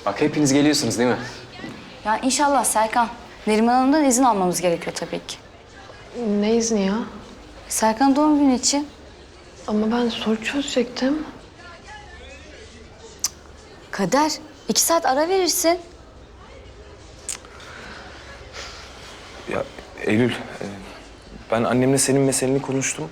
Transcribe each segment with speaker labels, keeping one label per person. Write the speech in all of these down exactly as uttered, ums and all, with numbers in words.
Speaker 1: Bak hepiniz geliyorsunuz değil mi?
Speaker 2: Ya inşallah Serkan. Neriman Hanım'dan izin almamız gerekiyor tabii ki.
Speaker 3: Ne izni ya?
Speaker 2: Serkan doğum günü için.
Speaker 3: Ama ben soru çözecektim.
Speaker 2: Kader, iki saat ara verirsin.
Speaker 4: Ya Eylül, e, ben annemle senin meseleni konuştum.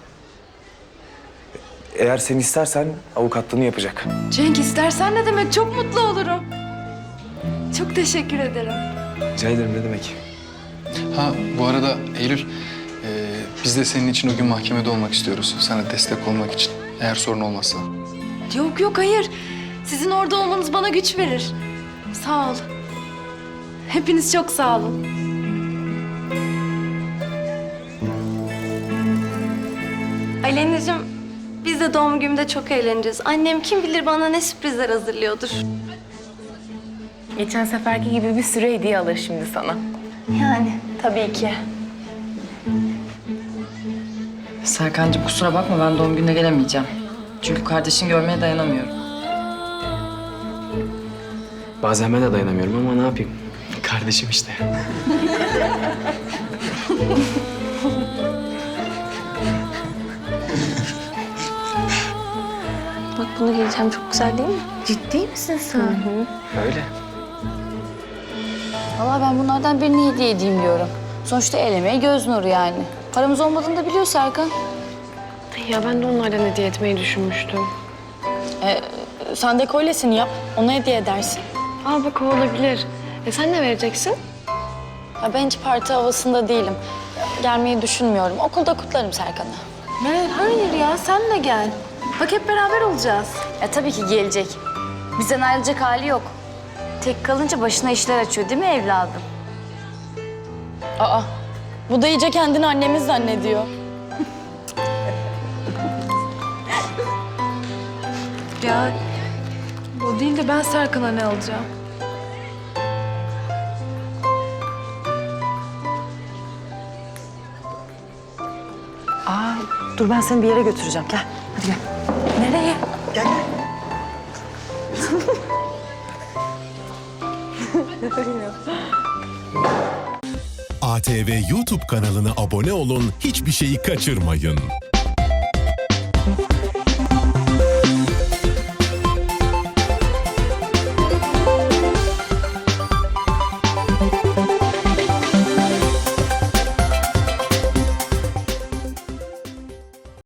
Speaker 4: Eğer sen istersen avukatlığını yapacak.
Speaker 3: Cenk istersen ne demek? Çok mutlu olurum. Çok teşekkür ederim.
Speaker 4: Rica ederim, ne demek?
Speaker 5: Ha bu arada Eylül, e, biz de senin için o gün mahkemede olmak istiyoruz. Sana destek olmak için. Eğer sorun olmazsa.
Speaker 3: Yok yok hayır. Sizin orada olmanız bana güç verir. Sağ ol. Hepiniz çok sağ olun.
Speaker 6: Alena'cığım, biz de doğum günümde çok eğleneceğiz. Annem kim bilir bana ne sürprizler hazırlıyordur.
Speaker 7: Geçen seferki gibi bir sürü hediye alır şimdi sana.
Speaker 6: Yani tabii ki.
Speaker 8: Serkancığım kusura bakma ben doğum gününe gelemeyeceğim. Çünkü kardeşini görmeye dayanamıyorum.
Speaker 1: Bazen ben de dayanamıyorum ama ne yapayım? Kardeşim işte.
Speaker 6: Bak bunu giyeceğim, çok güzel değil mi?
Speaker 7: Ciddi misin sen?
Speaker 1: Öyle.
Speaker 2: Vallahi ben bunlardan birini hediye edeyim diyorum. Sonuçta el emeği göz nuru yani. Paramız olmadığını da biliyor Serkan.
Speaker 3: Ya ben de onlardan hediye etmeyi düşünmüştüm.
Speaker 7: Sen de kolyesini yap, ona hediye edersin.
Speaker 3: Aa bak o olabilir. E sen ne vereceksin?
Speaker 7: Ya ben hiç parti havasında değilim. Gelmeyi düşünmüyorum. Okulda kutlarım Serkan'ı.
Speaker 3: Ne? Hayır ya sen de gel. Bak hep beraber olacağız.
Speaker 2: Ya tabii ki gelecek. Bizden ayrılacak hali yok. Tek kalınca başına işler açıyor değil mi evladım?
Speaker 7: Aa, bu da iyice kendini annemiz zannediyor.
Speaker 3: Ya o değil de ben Serkan'a ne alacağım?
Speaker 8: Aa, dur ben seni bir yere götüreceğim. Gel, hadi gel.
Speaker 7: Nereye?
Speaker 8: Gel, gel.
Speaker 9: A T V YouTube kanalına abone olun, hiçbir şeyi kaçırmayın.